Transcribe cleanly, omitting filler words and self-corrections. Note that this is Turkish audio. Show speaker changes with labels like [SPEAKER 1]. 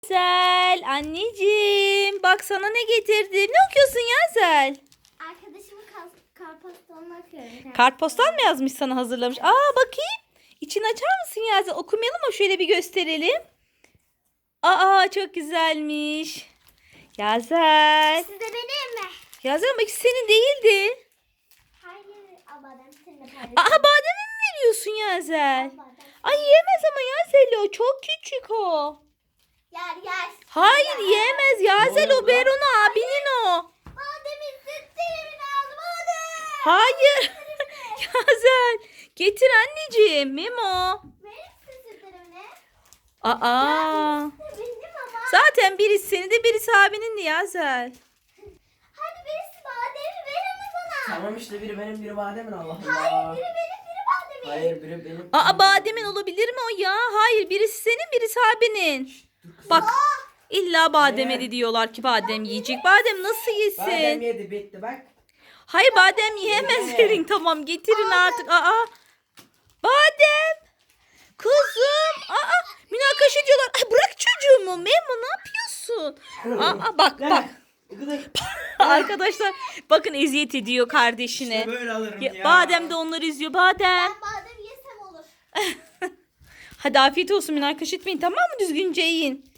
[SPEAKER 1] Yazel, anneciğim bak sana ne getirdim. Ne okuyorsun Yazel?
[SPEAKER 2] Arkadaşımın kartpostalını okuyorum.
[SPEAKER 1] Kartpostal mı yazmış sana hazırlamış? Aa bakayım. İçini açar mısın Yazel? Okumayalım mı? Şöyle bir gösterelim. Aa çok güzelmiş. Yazel.
[SPEAKER 2] Size benim mi?
[SPEAKER 1] Yazel bak senin değildi.
[SPEAKER 2] Hayır, badem seninle paylaşıyorum.
[SPEAKER 1] Aa bademi mi veriyorsun Yazel?
[SPEAKER 2] Badem.
[SPEAKER 1] Ay yiyemez ama Yazel o çok küçük o.
[SPEAKER 2] Yer.
[SPEAKER 1] Hayır yiyemez Yazel o Beron abinin o.
[SPEAKER 2] Bademin sütlerini aldım badem.
[SPEAKER 1] Hayır. Yazel getir anneciğim Memo.
[SPEAKER 2] Verir misin sütlerini?
[SPEAKER 1] Aa.
[SPEAKER 2] Benim ama.
[SPEAKER 1] Zaten birisi senin de birisi abinin de Yazel.
[SPEAKER 2] Hadi birisi bademi verir mi bana?
[SPEAKER 3] Tamam işte biri benim biri bademin Allah
[SPEAKER 2] Hayır,
[SPEAKER 3] Allah.
[SPEAKER 2] biri benim, biri bademin.
[SPEAKER 3] Hayır biri benim.
[SPEAKER 1] Aa bademin olabilir mi o ya? Hayır birisi senin birisi abinin. Bak illa bademedi diyorlar ki badem yiyecek. Badem nasıl
[SPEAKER 3] Badem
[SPEAKER 1] yesin?
[SPEAKER 3] yedi bitti bak.
[SPEAKER 1] Hayır badem yiyemez
[SPEAKER 3] Yeme.
[SPEAKER 1] verin tamam getirin artık. Aa badem. Kızım. Aa münakaşa diyorlar. Ay, bırak çocuğumu Memo ne yapıyorsun? Aa bak. Arkadaşlar bakın eziyet ediyor kardeşine.
[SPEAKER 3] İşte böyle alırım ya.
[SPEAKER 1] Badem de onları izliyor. Badem.
[SPEAKER 2] Ben badem yesem olur.
[SPEAKER 1] Hadi afiyet olsun münakaşa etmeyin tamam mı? Düzgünce yiyin.